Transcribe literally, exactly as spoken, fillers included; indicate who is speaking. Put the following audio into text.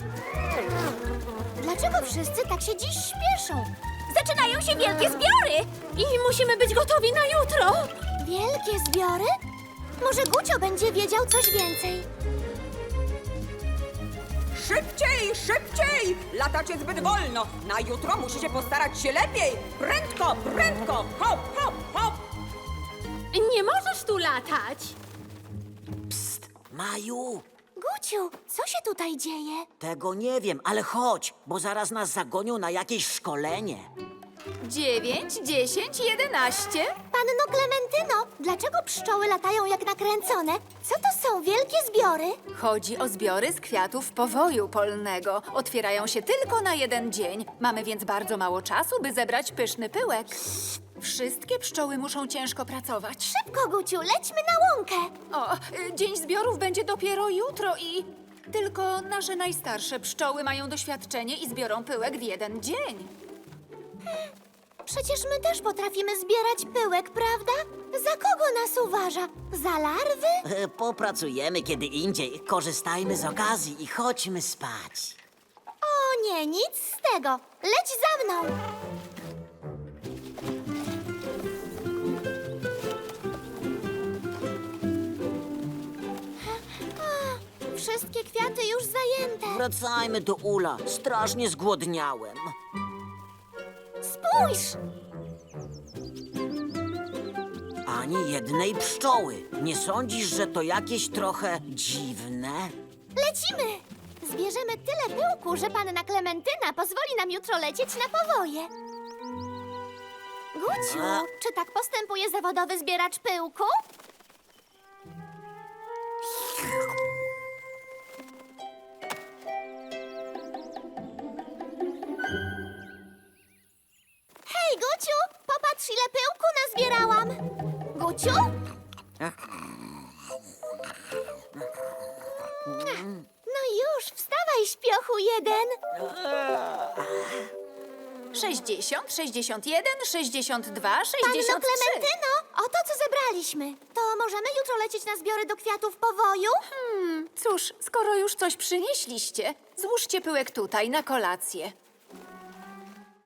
Speaker 1: Dlaczego wszyscy tak się dziś śpieszą?
Speaker 2: Zaczynają się wielkie zbiory! I musimy być gotowi na jutro!
Speaker 1: Wielkie zbiory? Może Gucio będzie wiedział coś więcej.
Speaker 3: Szybciej, szybciej! Latacie zbyt wolno. Na jutro musicie postarać się lepiej. Prędko, prędko! Hop, hop, hop!
Speaker 2: Nie możesz tu latać!
Speaker 4: Psst, Maju,
Speaker 1: Guciu, co się tutaj dzieje?
Speaker 4: tego nie wiem, ale chodź, bo zaraz nas zagonią na jakieś szkolenie.
Speaker 2: Dziewięć, dziesięć, jedenaście.
Speaker 1: Panno Klementyno, dlaczego pszczoły latają jak nakręcone? Co to są wielkie zbiory?
Speaker 5: Chodzi o zbiory z kwiatów powoju polnego. Otwierają się tylko na jeden dzień. Mamy więc bardzo mało czasu, by zebrać pyszny pyłek. Wszystkie pszczoły muszą ciężko pracować.
Speaker 1: Szybko, Guciu, lećmy na łąkę.
Speaker 5: O, y, dzień zbiorów będzie dopiero jutro i... Tylko nasze najstarsze pszczoły mają doświadczenie i zbiorą pyłek w jeden dzień.
Speaker 1: Przecież my też potrafimy zbierać pyłek, prawda? Za kogo nas uważa? Za larwy?
Speaker 4: E, Popracujemy kiedy indziej. Korzystajmy z okazji i chodźmy spać.
Speaker 1: O nie, nic z tego. Leć za mną. A, wszystkie kwiaty już zajęte.
Speaker 4: Wracajmy do ula. Strasznie zgłodniałem.
Speaker 1: Spójrz!
Speaker 4: Ani jednej pszczoły. Nie sądzisz, że to jakieś trochę dziwne?
Speaker 1: Lecimy! Zbierzemy tyle pyłku, że panna Klementyna pozwoli nam jutro lecieć na powoje. Guciu,
Speaker 4: A-
Speaker 1: czy tak postępuje zawodowy zbieracz pyłku? Hej, Guciu! Popatrz, ile pyłku nazbierałam! Guciu? No już, wstawaj, śpiochu jeden!
Speaker 5: sześćdziesiąt, sześćdziesiąt jeden, sześćdziesiąt dwa,
Speaker 1: Panno
Speaker 5: sześćdziesiąt trzy.
Speaker 1: Klementyno, oto co zebraliśmy. To możemy jutro lecieć na zbiory do kwiatów powoju?
Speaker 5: Cóż, skoro już coś przynieśliście, złóżcie pyłek tutaj na kolację.